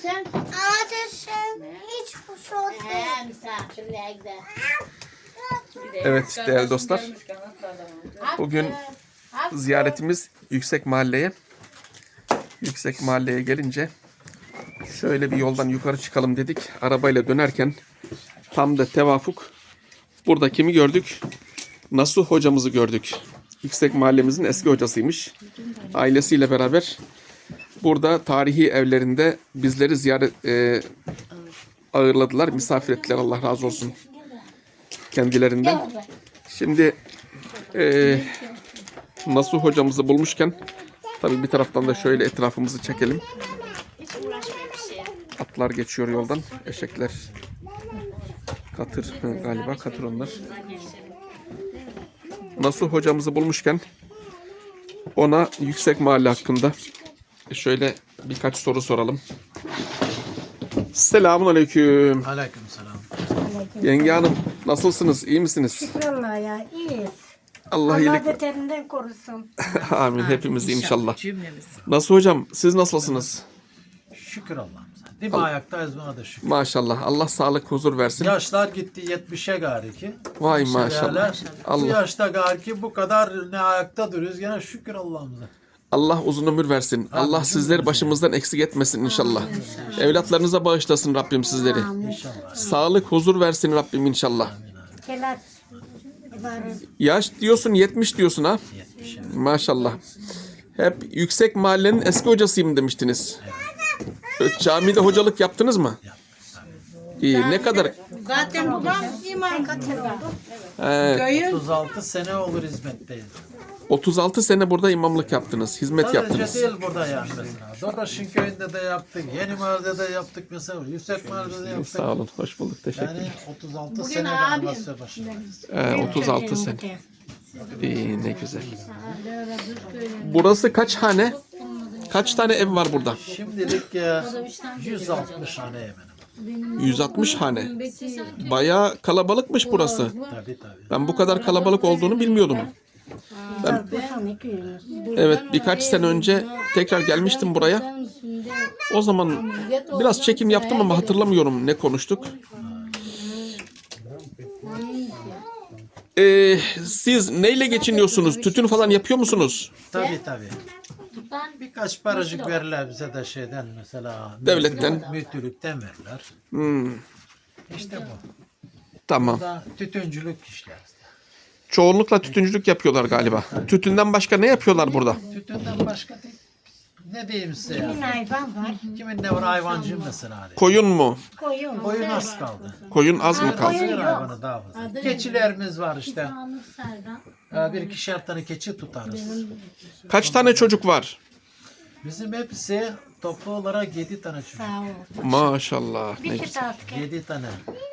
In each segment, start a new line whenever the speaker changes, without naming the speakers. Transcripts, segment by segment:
sen?
Ateşim hiç hoş olsun.
Misafirliğe gider.
Evet değerli dostlar. Bugün ziyaretimiz Yüksek Mahalle'ye. Yüksek Mahalle'ye gelince şöyle bir yoldan yukarı çıkalım dedik. Arabayla dönerken tam da tevafuk burada kimi gördük? Nasuh hocamızı gördük. Yüksek Mahallemizin eski hocasıymış. Ailesiyle beraber burada tarihi evlerinde bizleri ziyaret ağırladılar, misafir ettiler. Allah razı olsun kendilerinden. Şimdi Nasuh hocamızı bulmuşken tabii bir taraftan da şöyle etrafımızı çekelim. Atlar geçiyor yoldan. Eşekler. Katır galiba. Katır onlar. Nasuh hocamızı bulmuşken ona Yüksek Mahalle hakkında şöyle birkaç soru soralım. Selamun aleyküm.
Aleyküm selam.
Yenge hanım nasılsınız? İyi misiniz?
Vallahi ya iyiyiz.
Allah
Allah
iyilik.
beterinden korusun.
Amin. Hepimiz inşallah.
Cümlemiz.
Nasuh hocam siz nasılsınız?
Şükür Allah'ımıza. Değil mi ayaktayız buna da şükür.
Maşallah. Allah sağlık huzur versin.
Yaşlar gitti 70'e gari ki.
Vay
Şöyle,
maşallah.
Bu
Allah
yaşta gari ki bu kadar ne ayakta duruyoruz gene şükür Allah'ımıza.
Allah uzun ömür versin. Allah sizleri başımızdan eksik etmesin inşallah. Evlatlarınıza bağışlasın Rabbim sizleri.
İnşallah.
Sağlık huzur versin Rabbim inşallah.
Kelat. ibaret.
Yaş diyorsun 70 diyorsun ha.
70'e.
Maşallah. Hep Yüksek Mahallenin eski hocasıyım demiştiniz. Camide hocalık yaptınız mı? İyi. Ne kadar?
Zaten babam imam katıldı.
He,
36 sene olur hizmetteyiz.
36 sene burada imamlık yaptınız. Hizmet
Sadece
yaptınız.
değil burada yani mesela. Doraş'ın köyünde de yaptık. Yeni Mahallede de yaptık mesela. Yüksek Mahalle'de de yaptık.
Sağ olun. Hoş bulduk. Teşekkür ederim.
Yani 36
Bugün
sene
abim.
animasyon başındayız.
36 sene. İyi ne güzel. Burası kaç hane? Kaç tane ev var burada?
Şimdilik 160 hane hemen.
160 hane. Bayağı kalabalıkmış burası.
Tabii tabii.
Ben bu kadar kalabalık olduğunu bilmiyordum. Evet birkaç sene önce tekrar gelmiştim buraya. O zaman biraz çekim yaptım ama hatırlamıyorum ne konuştuk. Siz neyle geçiniyorsunuz? Tütün falan yapıyor musunuz?
Tabii tabii. Birkaç paracık verirler bize de şeyden mesela.
Devletten.
Müftülükten verirler. İşte bu.
Tamam.
Da tütüncülük işleriz.
Çoğunlukla tütüncülük yapıyorlar galiba. Tütünden başka ne yapıyorlar burada?
Tütünden başka değil. Ne diyeyim size ya?
Kimin hayvan var?
Kimin ne var hayvancı mesela. Hani.
Koyun mu?
Koyun.
Koyun az kaldı.
Koyun az mı kaldı?
Sığır hayvanı daha fazla. Keçilerimiz var işte. Bir ikişer tane keçi tutarız.
Kaç tane çocuk var?
Bizim hepsi toplu olarak 7 tane çocuk.
Sağ ol.
Maşallah. Ne
Bir
güzel.
kit asker.
7 tane.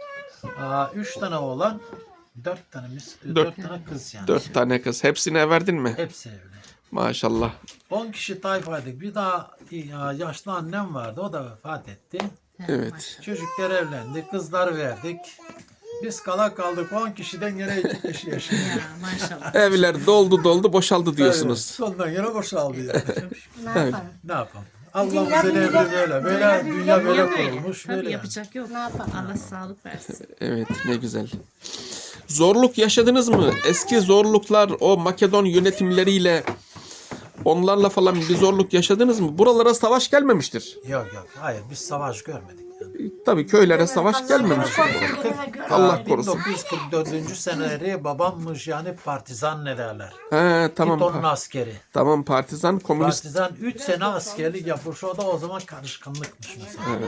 3 tane oğlan, 4 tane 4 tane kız yani.
4 tane kız. Hepsine verdin mi?
Hepsi evli.
Maşallah.
10 kişi tayfaydık. Bir daha yaşlı annem vardı. O da vefat etti.
Evet.
Çocuklar evlendi. Kızlar verdik. Biz kaldık 10 kişiden gene 2 kişi yaşıyor.
Maşallah.
Evler doldu boşaldı diyorsunuz.
Sondan gene boşaldı yani.
Ne yapalım?
Ne yapalım? Allah'ımızın emri böyle. Böyle dünya böyle kurulmuş.
Tabii
Böyle.
yapacak yok.
Ne yapalım?
Allah sağlık versin.
Evet ne güzel. Zorluk yaşadınız mı? Eski zorluklar o Makedon yönetimleriyle onlarla falan bir zorluk yaşadınız mı? Buralara savaş gelmemiştir.
Yok. Hayır biz savaş görmedik. Yani.
Tabii köylere savaş gelmemiştir. Allah korusun.
1944. seneleri babammış yani partizan ne derler.
He tamam.
Tito'nun askeri.
Tamam partizan komünist.
Partizan 3 sene askerlik yapmış. O da o zaman karışkanlıkmış mesela.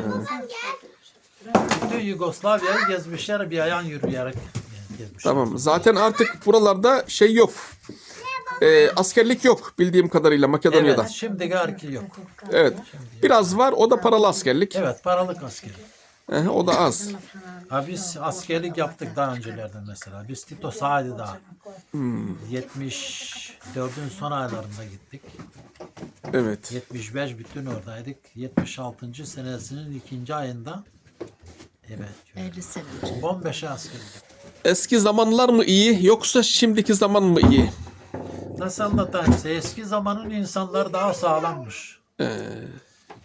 Bütün Yugoslavya'yı gezmişler bir ayağın yürüyerek gezmişler.
Tamam. Zaten artık buralarda şey yok. Askerlik yok bildiğim kadarıyla Makedonya'da.
Evet şimdi garki yok.
Evet. Biraz var o da paralı askerlik.
Evet paralık askeri.
O da az.
Ha biz askerlik yaptık daha öncelerden mesela. Biz Tito Saadi daha. 74'ün son aylarında gittik.
Evet.
75 bütün oradaydık. 76. senesinin 2. ayında evet.
50 sene önce.
15'e askerlik yaptık.
Eski zamanlar mı iyi yoksa şimdiki zaman mı iyi?
Nasıl anlatayım size? Eski zamanın insanlar daha sağlammış.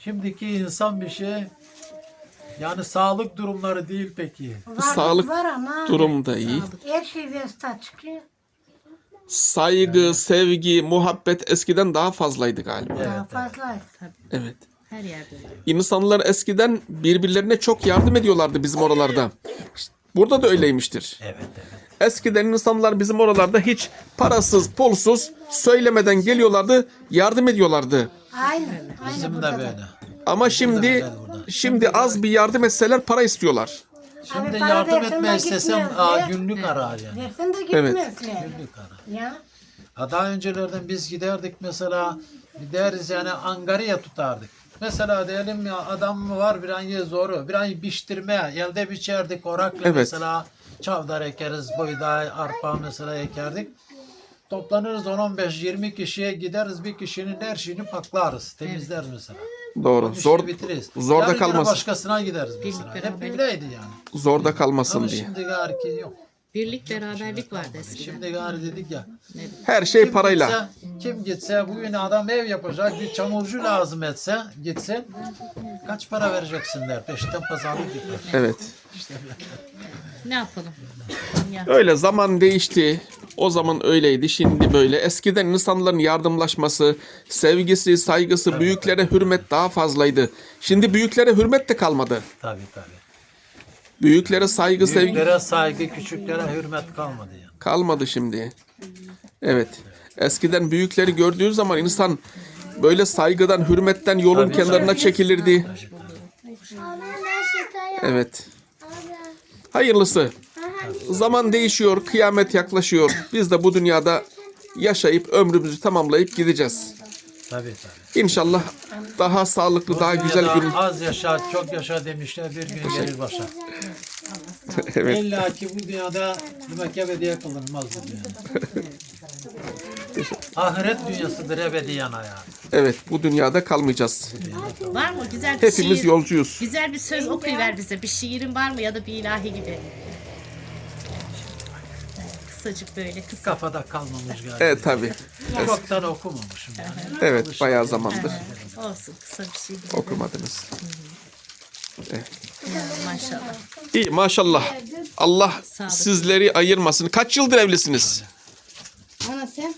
Şimdiki insan bir şey yani sağlık durumları değil peki.
Sağlık
var ama
durum da iyi.
her şey Vesta çıkıyor.
Saygı, sevgi, muhabbet eskiden daha fazlaydı galiba.
Daha fazla.
Evet.
Her yerde öyle.
İnsanlar eskiden birbirlerine çok yardım ediyorlardı bizim oralarda. Burada da öyleymiştir.
Evet evet.
Eskiden insanlar bizim oralarda hiç parasız, pulsuz söylemeden geliyorlardı, yardım ediyorlardı.
Aynen.
Bizim de
burada da.
böyle.
Ama şimdi az bir yardım etseler para istiyorlar.
Şimdi
Abi para
yardım
versin de
etme istesem
gitmez ya.
günlük arar yani.
Versin de
Evet.
gitmezler.
Günlük arar.
Ya.
Daha öncelerden biz giderdik mesela gideriz yani angarya tutardık. Mesela diyelim ya adam mı var bir an zoru, bir an biçtirme, elde biçerdik orakla
Evet.
mesela çavdar ekeriz, buğday, arpa mesela ekerdik. Toplanırız 10-15-20 kişiye gideriz bir kişinin her şeyini paklarız, temizleriz mesela.
Doğru.
İşi
Zor
bitiririz.
zorda
Yarın gene
kalmasın.
başkasına gideriz mesela.
Birlik,
Hep
beraberlik.
böyleydi yani.
Zorda kalmasın
Ama
diye.
şimdi gari yok.
Birlik beraberlik vardı eskiden.
Şimdi gari dedik ya.
Her şey parayla.
Kim gitse bugün adam ev yapacak bir çamurcu lazım etse gitsin kaç para vereceksin der peşinden pazarlık yapar.
Evet.
Ne yapalım? Ya.
Öyle zaman değişti. O zaman öyleydi, şimdi böyle. Eskiden insanların yardımlaşması, sevgisi, saygısı, büyüklere hürmet daha fazlaydı. Şimdi büyüklere hürmet de kalmadı.
Tabii tabii.
Büyüklere saygı, sevgi
Büyüklere saygı, küçüklere hürmet kalmadı yani.
kalmadı şimdi. Evet. Eskiden büyükleri gördüğü zaman insan böyle saygıdan, hürmetten yolun
Tabii,
kenarına
tabii.
çekilirdi. Evet. Hayırlısı. Zaman değişiyor, kıyamet yaklaşıyor. Biz de bu dünyada yaşayıp ömrümüzü tamamlayıp gideceğiz.
Tabii tabii.
İnşallah daha sağlıklı, daha güzel
Dünyada
gün.
az yaşa, çok yaşa demişler bir gün gelir başa.
Evet.
İlla ki bu dünyada demek ebediye kılınmaz bu dünyada. Ahiret dünyasıdır ebediyen hayat.
Evet, bu dünyada kalmayacağız.
Var mı güzel bir
Hepimiz
şiir?
yolcuyuz.
Güzel bir söz okuyuver bize. Bir şiirin var mı ya da bir ilahi gibi? Kısacık böyle kısa.
Kafada kalmamış galiba.
Evet tabii.
Çoktan okumamışım yani.
Evet, bayağı zamandır
Olsun kısa bir şey.
okumadınız.
Maşallah.
İyi maşallah. Allah
Sağlık.
sizleri ayırmasın. Kaç yıldır evlisiniz?
Ana sen?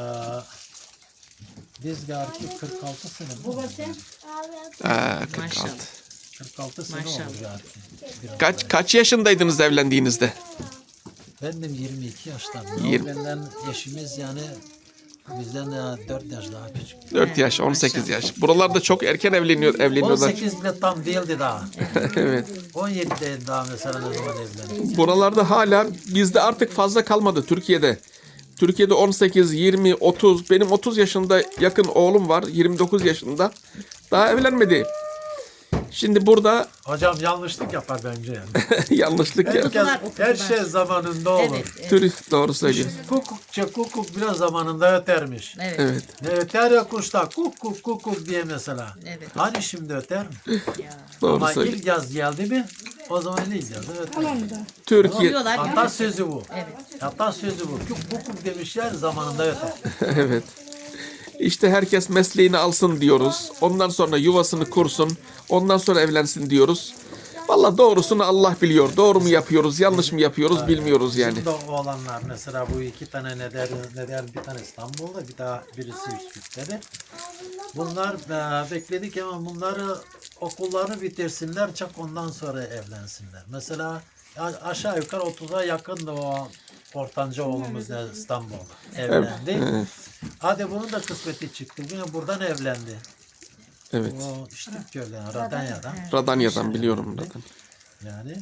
Biz galiba 46 sene.
Baba sen?
46.
Maşallah.
46 sene
Maşallah.
oldu galiba.
Kaç yaşındaydınız evlendiğinizde?
Benim 22 yaşlarım.
Yirmi-
Benden eşimiz yani bizden 4 yaş daha küçük.
4 yaş, 18 yaş. Buralarda çok erken evleniyorlar.
18 bile tam değildi daha.
Evet.
17'de daha mesela ne zaman evlendik.
Buralarda hala bizde artık fazla kalmadı Türkiye'de. Türkiye'de 18, 20, 30. Benim 30 yaşında yakın oğlum var. 29 yaşında. Daha evlenmedi. Şimdi burada
Hocam yanlışlık yapar bence yani.
yanlışlık ya.
Herkes,
Okudular,
her
okudular.
şey zamanında olur.
Evet, evet,
Türk doğru söylüyor.
Kukuk bile zamanında ötermiş.
evet.
Evet.
Ne öter ya kuşlar kuk diye mesela.
Evet.
Hani şimdi öter mi?
Ya.
Doğru
Ama
söylüyor.
ilk yaz geldi mi o zaman ilk yaz öter.
Türkiye
Oluyorlar ya.
Atasözü bu.
Evet.
Atasözü bu. Kukuk demişler zamanında öter.
evet. İşte herkes mesleğini alsın diyoruz. Ondan sonra yuvasını kursun. Ondan sonra evlensin diyoruz. Valla doğrusunu Allah biliyor. Doğru mu yapıyoruz, yanlış mı yapıyoruz bilmiyoruz yani.
Şimdi oğlanlar mesela bu iki tane neder bir tane İstanbul'da bir daha birisi Üsküp'te. Bunlar bekledik ama bunları okullarını bitirsinler çok ondan sonra evlensinler. Mesela aşağı yukarı 30'a yakındı o ortanca oğlumuz da İstanbul'da evlendi. Hadi bunun da kısmeti çıktı. Yine buradan evlendi.
Evet.
O işte köyden Radanya'dan.
Radanya'dan biliyorum Radan.
Yani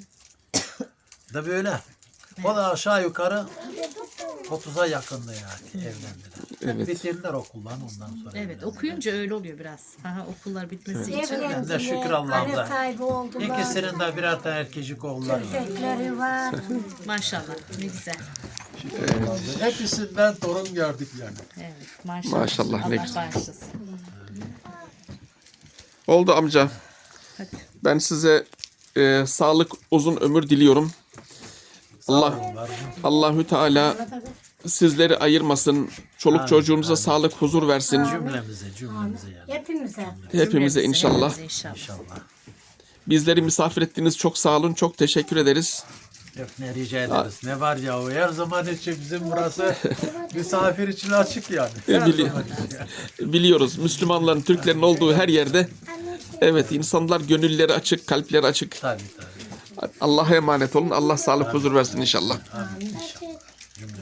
da böyle. O da aşağı yukarı 30'a yakındı yani evlendiler.
Evet.
Bitirdiler okullarını ondan sonra.
Evet,
evlendiler.
okuyunca öyle oluyor biraz. Aha, okullar bitmesi için.
Ben de şükür Allah'ımıza.
Aile sahibi oldular.
İkisinin de birer tane erkecik oğulları var.
Köpekleri var.
Maşallah, ne güzel.
Hepsinden torun gördük yani.
Evet, maşallah.
Maşallah, ne
Allah
güzel.
bağışlasın.
Oldu amca.
Hadi.
Ben size sağlık, uzun ömür diliyorum. Allahü Teala sizleri ayırmasın. Çoluk
Amin,
çocuğunuza
amin.
sağlık, huzur versin.
Cümlemize yani.
Hepimize.
Hepimize inşallah.
Hepimize inşallah.
İnşallah.
Bizleri misafir ettiniz. Çok sağ olun. Çok teşekkür ederiz.
Yok ne rica ederiz. Ne var ya o her zaman için bizim burası misafir için açık yani. Her
Bili-
zaman için yani.
Biliyoruz. Müslümanların, Türklerin olduğu her yerde evet insanlar gönülleri açık, kalpleri açık.
Tabii tabii.
Allah'a emanet olun. Allah sağlık, huzur versin inşallah.
Amin.